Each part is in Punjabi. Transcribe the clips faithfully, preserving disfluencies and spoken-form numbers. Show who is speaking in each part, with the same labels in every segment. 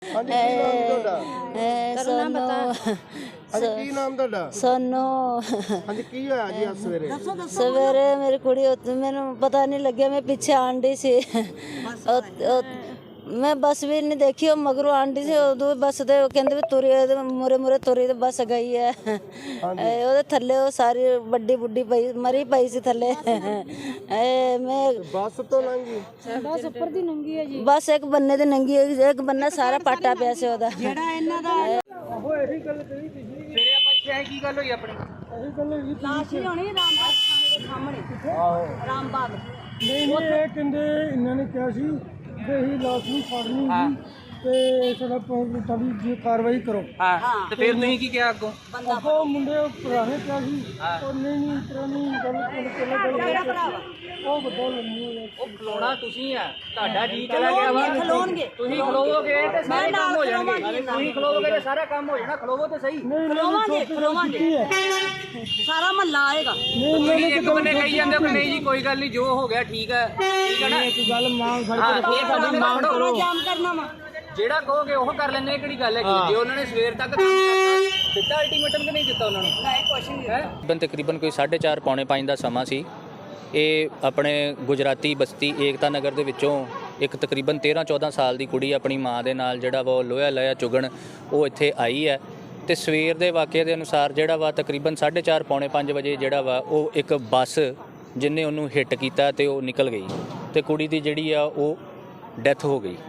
Speaker 1: ਹਾਂਜੀ ਕੀ ਨਾਮ ਜੀ ਤੁਹਾਡਾ?
Speaker 2: ਸੋਨੂ
Speaker 1: ਹਾਂਜੀ ਕੀ ਨਾਮ ਤੁਹਾਡਾ?
Speaker 2: ਸੋਨੂ
Speaker 1: ਹਾਂਜੀ ਕੀ ਹੋਇਆ ਜੀ ਅੱਜ ਸਵੇਰੇ?
Speaker 2: ਸਵੇਰੇ ਮੇਰੀ ਕੁੜੀ ਉੱਥੇ ਮੈਨੂੰ ਪਤਾ ਨਹੀਂ ਲੱਗਿਆ, ਮੈਂ ਪਿੱਛੇ ਆਂਡੀ ਸੀ। ਉਹ- ਉਹ- ਮੈਂ ਬੱਸ ਵੀ ਨਹੀਂ ਦੇਖੀ, ਉਹ ਮਗਰੋਂ ਆਂਡੀ ਸੀ। ਉਦੋਂ ਬੱਸ ਦੇ ਕਹਿੰਦੇ ਵੀ ਤੁਰੀ ਮੁਰੇ ਮੁਰੇ ਤੁਰੀ ਤੇ ਬੱਸ ਗਈ ਹੈ। ਇਹ ਉਹਦੇ ਥੱਲੇ ਉਹ ਸਾਰੀ ਵੱਡੀ ਬੁੱਢੀ ਪਈ ਮਰੀ ਪਈ ਸੀ ਥੱਲੇ। ਇਹ ਮੈਂ
Speaker 1: ਬੱਸ ਤੋਂ ਲੰਘੀ?
Speaker 3: ਬਸ ਉੱਪਰ ਦੀ ਨੰਗੀ ਹੈ ਜੀ।
Speaker 2: ਬਸ ਇੱਕ ਬੰਨੇ ਦੇ ਨੰਗੀ ਹੈ, ਇੱਕ ਬੰਨਾ ਸਾਰਾ ਪਾਟਾ ਪਿਆ ਸੀ ਉਹਦਾ।
Speaker 3: ਜਿਹੜਾ ਇਹਨਾਂ ਦਾ
Speaker 1: ਉਹ ਇਹੀ ਗੱਲ ਕਹੀ ਤੁਸੀਂ
Speaker 4: ਸਵੇਰੇ ਆਪਾਂ ਇੱਥੇ ਆਏ, ਕੀ ਗੱਲ ਹੋਈ ਆਪਣੀ?
Speaker 1: ਇਹੀ ਗੱਲ ਹੋਈ
Speaker 3: ਲਾਸ਼ ਹੀ ਹੋਣੀ ਰਾਮਬਾਗ ਥਾਣੇ ਦੇ ਸਾਹਮਣੇ।
Speaker 1: ਆਹੋ
Speaker 3: ਰਾਮਬਾਗ
Speaker 1: ਨਹੀਂ ਨਹੀਂ ਇਹ ਕਹਿੰਦੇ ਇਹਨਾਂ ਨੇ ਕਿਹਾ ਸੀ ਕਿ ਅਸੀਂ ਲਾਸ਼ ਨੂੰ ਫੜਨੀ ਸੀ ਤੇ ਸਾਡਾ ਤੁਹਾਡੀ ਜੀ ਕਾਰਵਾਈ ਕਰੋ।
Speaker 4: ਹਾਂ ਤੇ ਫਿਰ ਤੁਸੀਂ ਕੀ ਕਿਹਾ ਅੱਗੋਂ?
Speaker 1: ਅੱਗੋਂ ਮੁੰਡੇ ਪੁਰਾਣੇ ਕਿਹਾ ਸੀ ਉਹ ਨਹੀਂ ਨਹੀਂ ਇਤਰਾ ਨਹੀਂ ਗੱਲ ਕਰ ਉਹ ਵੱਡਾ ਲੰਮੀ ਹੋਇਆ।
Speaker 4: ਉਹ ਖਲੋਣਾ ਤੁਸੀਂ ਆ, ਤੁਹਾਡਾ ਜੀ ਚਲਾ ਗਿਆ ਵਾ।
Speaker 3: ਖਲੋਣਗੇ
Speaker 4: ਤੁਸੀਂ ਖਲੋਵੋਗੇ ਤੇ ਸਾਰੇ ਕੰਮ ਹੋ ਜਾਣਗੇ। ਤੁਸੀਂ ਖਲੋਵੋਗੇ ਤੇ ਸਾਰਾ ਕੰਮ ਹੋ ਜਾਣਾ। ਖਲੋਵੋ ਤੇ ਸਹੀ।
Speaker 3: ਖਲੋਵਾਂਗੇ ਖਲੋਵਾਂਗੇ ਸਾਰਾ ਮਹੱਲਾ ਆਏਗਾ।
Speaker 4: ਤੁਸੀਂ ਇੱਕ ਬੰਨੇ ਕਹੀ ਜਾਂਦੇ ਹੋ ਕਿ ਨਹੀਂ ਜੀ ਕੋਈ ਗੱਲ ਨਹੀਂ, ਜੋ ਹੋ ਗਿਆ ਠੀਕ ਹੈ, ਠੀਕ ਹੈ ਨਾ?
Speaker 1: ਇੱਕ ਗੱਲ ਮੰਗ ਫੜ
Speaker 4: ਹਾਂ ਇਹ ਸਾਡੀ ਮੰਗ ਕਰੋ।
Speaker 3: ਜਾਮ ਕਰਨਾ ਵਾ
Speaker 4: ਜਿਹੜਾ ਕਹੋਗੇ ਉਹ ਕਰ ਲੈਣੇ, ਕਿਹੜੀ ਗੱਲ ਹੈ? ਜੇ ਉਹਨਾਂ ਨੇ ਸਵੇਰ ਤੱਕ ਕੰਮ ਕਰਤਾ ਦਿੱਤਾ ਅਲਟੀਮੇਟਮ ਕਿ ਨਹੀਂ ਦਿੱਤਾ ਉਹਨਾਂ ਨੂੰ?
Speaker 3: ਨਹੀਂ ਕੁਛ ਨਹੀਂ
Speaker 4: ਹੈ ਤਕਰੀਬਨ ਤਕਰੀਬਨ ਕੋਈ ਸਾਢੇ ਚਾਰ ਪੌਣੇ ਪੰਜ ਦਾ ਸਮਾਂ ਸੀ। ਇਹ ਆਪਣੇ ਗੁਜਰਾਤੀ ਬਸਤੀ ਏਕਤਾ ਨਗਰ ਦੇ ਵਿੱਚੋਂ ਇੱਕ ਤਕਰੀਬਨ ਤੇਰ੍ਹਾਂ ਚੌਦ੍ਹਾਂ ਸਾਲ ਦੀ ਕੁੜੀ ਆਪਣੀ ਮਾਂ ਦੇ ਨਾਲ ਜਿਹੜਾ ਵਾ ਉਹ ਲੋਹਾ ਲਿਆ ਚੁਗਣ ਉਹ ਇੱਥੇ ਆਈ ਹੈ। ਤੇ ਸਵੇਰ ਦੇ ਵਾਕਿਆ ਦੇ ਅਨੁਸਾਰ ਜਿਹੜਾ ਵਾ ਤਕਰੀਬਨ ਸਾਢੇ ਚਾਰ ਪੌਣੇ ਪੰਜ ਵਜੇ ਜਿਹੜਾ ਵਾ ਉਹ ਇੱਕ ਬੱਸ ਜਿਹਨੇ ਉਹਨੂੰ ਹਿੱਟ ਕੀਤਾ ਤੇ ਉਹ ਨਿਕਲ ਗਈ ਤੇ ਕੁੜੀ ਦੀ ਜਿਹੜੀ ਆ ਉਹ ਡੈਥ ਹੋ ਗਈ।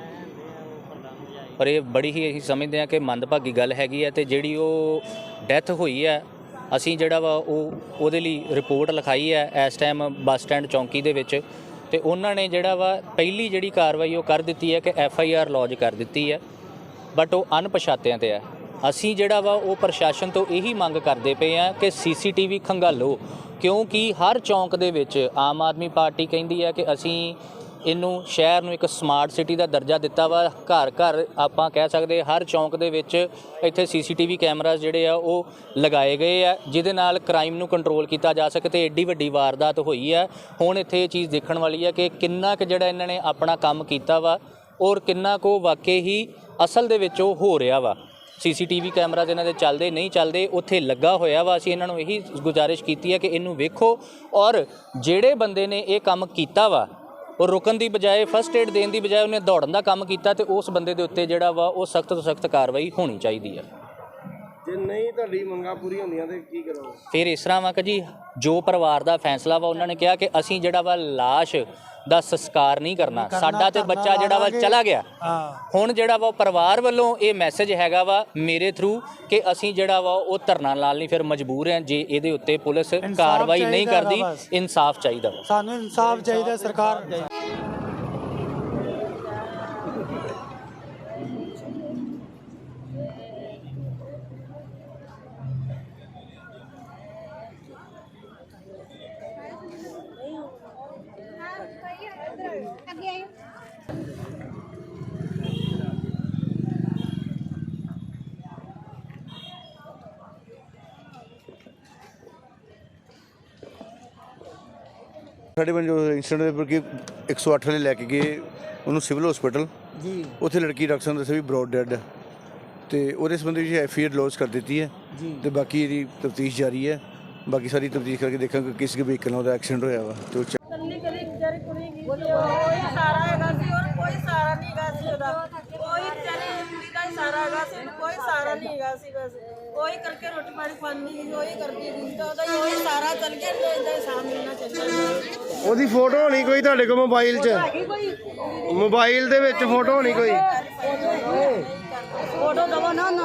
Speaker 4: ਪਰ ਇਹ ਬੜੀ ਹੀ ਅਸੀਂ ਸਮਝਦੇ ਹਾਂ ਕਿ ਮੰਦਭਾਗੀ ਗੱਲ ਹੈਗੀ ਹੈ। ਤੇ ਜਿਹੜੀ ਉਹ ਡੈਥ ਹੋਈ ਹੈ, ਅਸੀਂ ਜਿਹੜਾ ਵਾ ਉਹ ਉਹਦੇ ਲਈ ਰਿਪੋਰਟ ਲਿਖਾਈ ਹੈ ਇਸ ਟਾਈਮ ਬੱਸ ਸਟੈਂਡ ਚੌਂਕੀ ਦੇ ਵਿੱਚ। ਤੇ ਉਹਨਾਂ ਨੇ ਜਿਹੜਾ ਵਾ ਪਹਿਲੀ ਜਿਹੜੀ ਕਾਰਵਾਈ ਉਹ ਕਰ ਦਿੱਤੀ ਹੈ ਕਿ ਐਫ ਆਈ ਆਰ ਲੌਜ ਕਰ ਦਿੱਤੀ ਹੈ, ਬਟ ਉਹ ਅਣਪਛਾਤਿਆਂ ਤੇ ਹੈ। ਅਸੀਂ ਜਿਹੜਾ ਵਾ ਉਹ ਪ੍ਰਸ਼ਾਸਨ ਤੋਂ ਇਹੀ ਮੰਗ ਕਰਦੇ ਪਏ ਹਾਂ ਕਿ ਸੀ ਸੀ ਟੀ ਵੀ ਖੰਗਾਲੋ, ਕਿਉਂਕਿ ਹਰ ਚੌਂਕ ਦੇ ਵਿੱਚ ਆਮ ਆਦਮੀ ਪਾਰਟੀ ਕਹਿੰਦੀ ਹੈ ਕਿ ਅਸੀਂ ਇਹਨੂੰ ਸ਼ਹਿਰ ਨੂੰ ਇੱਕ ਸਮਾਰਟ ਸਿਟੀ ਦਾ ਦਰਜਾ ਦਿੱਤਾ ਵਾ। ਘਰ ਘਰ ਆਪਾਂ ਕਹਿ ਸਕਦੇ ਹਰ ਚੌਂਕ ਦੇ ਵਿੱਚ ਇੱਥੇ ਸੀ ਸੀ ਟੀ ਵੀ ਕੈਮਰਾਜ਼ ਜਿਹੜੇ ਆ ਉਹ ਲਗਾਏ ਗਏ ਆ, ਜਿਹਦੇ ਨਾਲ ਕ੍ਰਾਈਮ ਨੂੰ ਕੰਟਰੋਲ ਕੀਤਾ ਜਾ ਸਕੇ। ਤੇ ਐਡੀ ਵੱਡੀ ਵਾਰਦਾਤ ਹੋਈ ਹੈ। ਹੁਣ ਇੱਥੇ ਇਹ ਚੀਜ਼ ਦੇਖਣ ਵਾਲੀ ਹੈ ਕਿ ਕਿੰਨਾ ਕੁ ਜਿਹੜਾ ਇਹਨਾਂ ਨੇ ਆਪਣਾ ਕੰਮ ਕੀਤਾ ਵਾ ਔਰ ਕਿੰਨਾ ਕੁ ਵਾਕਈ ਹੀ ਅਸਲ ਦੇ ਵਿੱਚ ਉਹ ਹੋ ਰਿਹਾ ਵਾ। ਸੀ ਸੀ ਟੀ ਵੀ ਕੈਮਰਾਜ਼ ਇਹਨਾਂ ਦੇ ਚੱਲਦੇ ਨਹੀਂ ਚੱਲਦੇ, ਉੱਥੇ ਲੱਗਾ ਹੋਇਆ ਵਾ। ਅਸੀਂ ਇਹਨਾਂ ਨੂੰ ਇਹੀ ਗੁਜ਼ਾਰਿਸ਼ ਕੀਤੀ ਹੈ ਕਿ ਇਹਨੂੰ ਵੇਖੋ ਔਰ ਜਿਹੜੇ ਬੰਦੇ ਨੇ ਇਹ ਕੰਮ ਕੀਤਾ ਵਾ ਉਹ ਰੁਕਣ ਦੀ ਬਜਾਏ, ਫਸਟ ਏਡ ਦੇਣ ਦੀ ਬਜਾਏ ਉਹਨੇ ਦੌੜਨ ਦਾ ਕੰਮ ਕੀਤਾ ਤੇ ਉਸ ਬੰਦੇ ਦੇ ਉੱਤੇ ਜਿਹੜਾ ਵਾ ਉਹ ਸਖਤ ਤੋਂ ਸਖਤ ਕਾਰਵਾਈ ਹੋਣੀ ਚਾਹੀਦੀ ਹੈ।
Speaker 1: ਜੇ ਨਹੀਂ ਤੁਹਾਡੀ ਮੰਗਾਂ ਪੂਰੀਆਂ ਹੁੰਦੀਆਂ ਤੇ ਕੀ ਕਰੋਗੇ?
Speaker 4: ਫਿਰ ਇਸ ਤਰ੍ਹਾਂ ਵਾ ਕਿ ਜੀ ਜੋ ਪਰਿਵਾਰ ਦਾ ਫੈਸਲਾ ਵਾ, ਉਹਨਾਂ ਨੇ ਕਿਹਾ ਕਿ ਅਸੀਂ ਜਿਹੜਾ ਵਾ ਲਾਸ਼ ਦਾ ਸੰਸਕਾਰ ਨਹੀਂ ਕਰਨਾ, ਸਾਡਾ ਤੇ ਬੱਚਾ ਜਿਹੜਾ ਵਾ ਚਲਾ ਗਿਆ। ਹੁਣ ਜਿਹੜਾ ਵਾ ਪਰਿਵਾਰ ਵੱਲੋਂ ਇਹ ਮੈਸੇਜ ਹੈਗਾ ਵਾ ਮੇਰੇ ਥਰੂ ਕਿ ਅਸੀਂ ਜਿਹੜਾ ਵਾ ਉਹ ਧਰਨਾ ਲਾਉਣ ਲਈ ਫਿਰ ਮਜਬੂਰ ਹਾਂ ਜੇ ਇਹਦੇ ਉੱਤੇ ਪੁਲਿਸ ਕਾਰਵਾਈ ਨਹੀਂ ਕਰਦੀ। ਇਨਸਾਫ ਚਾਹੀਦਾ ਵਾ
Speaker 5: ਸਾਨੂੰ, ਇਨਸਾਫ ਚਾਹੀਦਾ ਸਰਕਾਰ।
Speaker 6: ਸਾਡੇ ਪਿੰਡ ਜੋ ਇੰਸੀਡੈਂਟ ਦੇ ਉੱਪਰ ਕਿ ਇੱਕ ਸੌ ਅੱਠ ਵਾਲੇ ਲੈ ਕੇ ਗਏ ਉਹਨੂੰ ਸਿਵਲ ਹਸਪੀਟਲ ਜੀ। ਉੱਥੇ ਲੜਕੀ ਡਾਕਟਰ ਸਾਹਿਬ ਦੱਸਿਆ ਵੀ ਬਰੋਡ ਡੈਡ ਹੈ ਤੇ ਉਹਦੇ ਸੰਬੰਧੀ ਵਿੱਚ ਐਫ ਆਈ ਆਰ ਲੌਜ ਕਰ ਦਿੱਤੀ ਹੈ ਤੇ ਬਾਕੀ ਇਹਦੀ ਤਫਤੀਸ਼ ਜਾਰੀ ਹੈ। ਬਾਕੀ ਸਾਰੀ ਤਫਤੀਸ਼ ਕਰਕੇ ਦੇਖਾਂਗੇ ਕਿਸ ਵਹੀਕਲ ਨਾਲ ਉਹਦਾ ਐਕਸੀਡੈਂਟ ਹੋਇਆ ਵਾ ਤੇ ਉਹ
Speaker 3: ਕੱਲੀ ਕੱਲੀ ਵਿਚਾਰੀ ਕੁੜੀ ਗਈ ਕੋਈ ਸਾਰਾ ਹੈਗਾ ਸੀ ਔਰ ਕੋਈ ਸਾਰਾ ਨਹੀਂ ਹੈਗਾ ਸੀ ਉਹਦਾ। ਕੋਈ ਵਿਚਾਰੀ ਕੁੜੀ ਦਾ ਹੀ ਸਾਰਾ ਹੈਗਾ ਸੀ, ਕੋਈ ਸਾਰਾ ਨਹੀਂ ਹੈਗਾ ਸੀ। ਬਸ ਉਹੀ ਕਰਕੇ ਰੋਟੀ ਪਾਣੀ ਖਾਂਦੀ ਸੀ, ਉਹੀ ਕਰਦੀ ਸੀ ਤਾਂ ਉਹਦਾ ਹੀ ਉਹੀ ਸਾਰਾ ਚੱਲ ਗਿਆ ਤੇ ਇਹਦਾ ਸਾਹ ਮਿਲਣਾ ਚਾਹੀਦਾ।
Speaker 1: ਉਹਦੀ ਫੋਟੋ ਹੋਣੀ ਕੋਈ ਤੁਹਾਡੇ ਕੋਲ ਮੋਬਾਈਲ 'ਚ?
Speaker 3: ਹੈਗੀ ਕੋਈ
Speaker 1: ਮੋਬਾਈਲ ਦੇ ਵਿੱਚ ਫੋਟੋ ਹੋਣੀ ਕੋਈ?
Speaker 3: ਫੋਟੋ ਦਵਾ ਨਾ